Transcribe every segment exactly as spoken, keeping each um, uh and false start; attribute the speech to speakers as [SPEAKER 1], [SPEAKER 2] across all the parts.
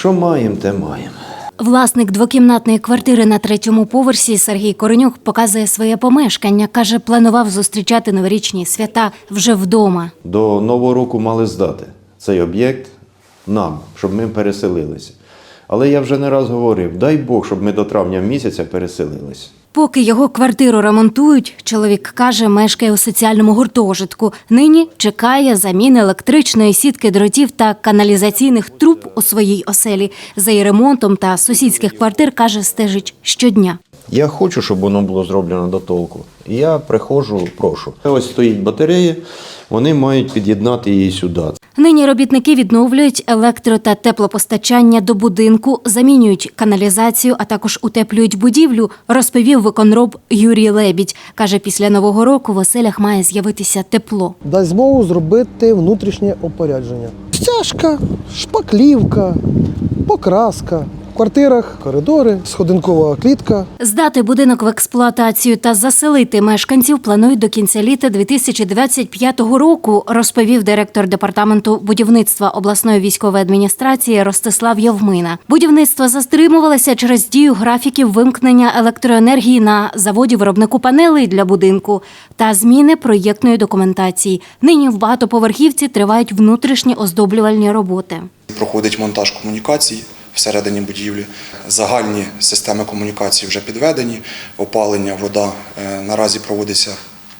[SPEAKER 1] Що маємо, те маємо.
[SPEAKER 2] Власник двокімнатної квартири на третьому поверсі Сергій Коренюк показує своє помешкання. Каже, планував зустрічати новорічні свята вже вдома.
[SPEAKER 1] До Нового року мали здати цей об'єкт нам, щоб ми переселилися. Але я вже не раз говорив, дай Бог, щоб ми до травня місяця переселилися.
[SPEAKER 2] Поки його квартиру ремонтують, чоловік каже, мешкає у соціальному гуртожитку. Нині чекає заміни електричної сітки дротів та каналізаційних труб у своїй оселі. За її ремонтом та сусідських квартир, каже, стежить щодня.
[SPEAKER 1] Я хочу, щоб воно було зроблено до толку. І я приходжу, прошу. Ось стоїть батарея, вони мають під'єднати її сюди.
[SPEAKER 2] Нині робітники відновлюють електро- та теплопостачання до будинку, замінюють каналізацію, а також утеплюють будівлю, розповів виконроб Юрій Лебідь. Каже, після Нового року в оселях має з'явитися тепло.
[SPEAKER 3] Дасть змогу зробити внутрішнє опорядження. Стяжка, шпаклівка, покраска. В квартирах коридори, сходинкова клітка.
[SPEAKER 2] Здати будинок в експлуатацію та заселити мешканців планують до кінця літа дві тисячі двадцять п'ятого року, розповів директор департаменту будівництва обласної військової адміністрації Ростислав Євмина. Будівництво застримувалося через дію графіків вимкнення електроенергії на заводі виробнику панелей для будинку та зміни проєктної документації. Нині в багатоповерхівці тривають внутрішні оздоблювальні роботи.
[SPEAKER 4] Проходить монтаж комунікацій всередині будівлі. Загальні системи комунікації вже підведені, опалення, вода. Наразі проводиться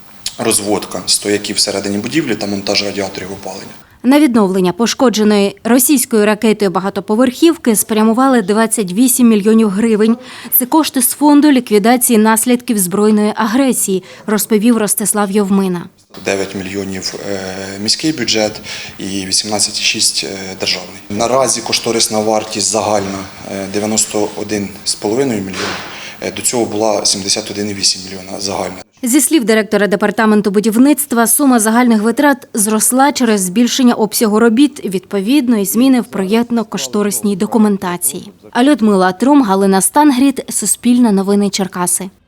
[SPEAKER 4] розводка стояків всередині будівлі та монтаж радіаторів опалення.
[SPEAKER 2] На відновлення пошкодженої російською ракетою багатоповерхівки спрямували двадцять вісім мільйонів гривень. Це кошти з фонду ліквідації наслідків збройної агресії, розповів Ростислав Євмина.
[SPEAKER 4] дев'ять мільйонів міський бюджет і вісімнадцять цілих шість десятих державний. Наразі кошторисна вартість загальна дев'яносто один цілих п'ять десятих мільйона. До цього була сімдесят один цілих вісім десятих мільйона загальна.
[SPEAKER 2] Зі слів директора департаменту будівництва, сума загальних витрат зросла через збільшення обсягу робіт, відповідно, і зміни в проєктно-кошторисній документації. А Людмила Трум, Галина Стангріт, Суспільне новини Черкаси.